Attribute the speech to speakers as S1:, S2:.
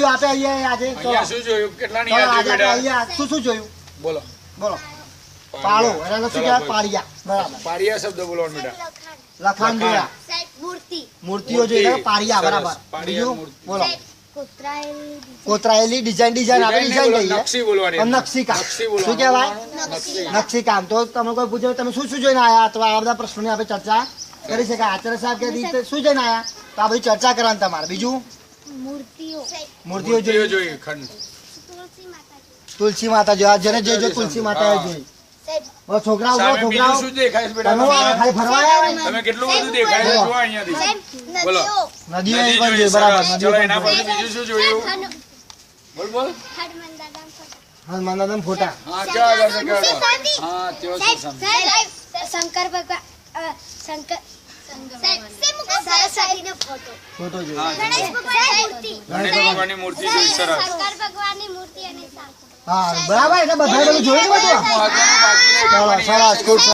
S1: જોયું આપે અહીંયા આજે
S2: અહીંયા શું જોયું કેટલાની યાદ બેટા
S1: અહીંયા શું જોયું
S2: બોલો
S1: બોલો પાળો એને શું કહેવાય પાળિયા બરાબર
S2: પારિયા શબ્દ બોલવાનો બેટા
S1: લખાણ જોયા મૂર્તિઓ જોઈ પાળિયા બરાબર બીજું બોલો કોતરાયેલી ડિઝાઇન આપણે ડિઝાઇન કહીએ
S2: નકશી બોલવાની
S1: નકશી કામ શું કહેવાય નકશી કામ તો તમે કોઈ પૂછો તમે શું જોઈને આયા તો આ બધા પ્રશ્નોની આપણે ચર્ચા કરી શકાય આચાર્ય સાહેબ કે રીતે શું જોઈને આયા તો આ બધી ચર્ચા કરવાની તમારે બીજું મૂર્તિઓ
S2: જોઈએ ખંડ
S1: તુલસી માતા જોયા જેને જે તુલસી માતા જોઈ છોકરાઓ છોકરાઓ
S2: શું દેખાય છે બેટા
S1: ખાલી ફરવા આવ્યા
S2: તમે કેટલું બધું દેખાય છે જો અહીંયાથી બોલો
S1: નદીઓ પણ જોઈ બરાબર નદીઓ
S2: ચલો એના પછી બીજું શું જોયું બોલ બોલ
S1: હનુમાન દાદા ફોટા
S2: હા ક્યાં આગળ છે હા તેઓ શું સમજ
S3: શંકર ભગવાન શંકર સરસ્વતીનો ફોટો
S1: ફોટો જોઈ
S3: ગણેશ
S2: ભગવાનની મૂર્તિ જોઈ સરસ
S3: શંકર ભગવાનની મૂર્તિ અને
S1: હા બરાબર એટલે બધા બધું જોયું બધું
S2: મહત્વનું બાકી નહીં
S1: સરસ ખૂબ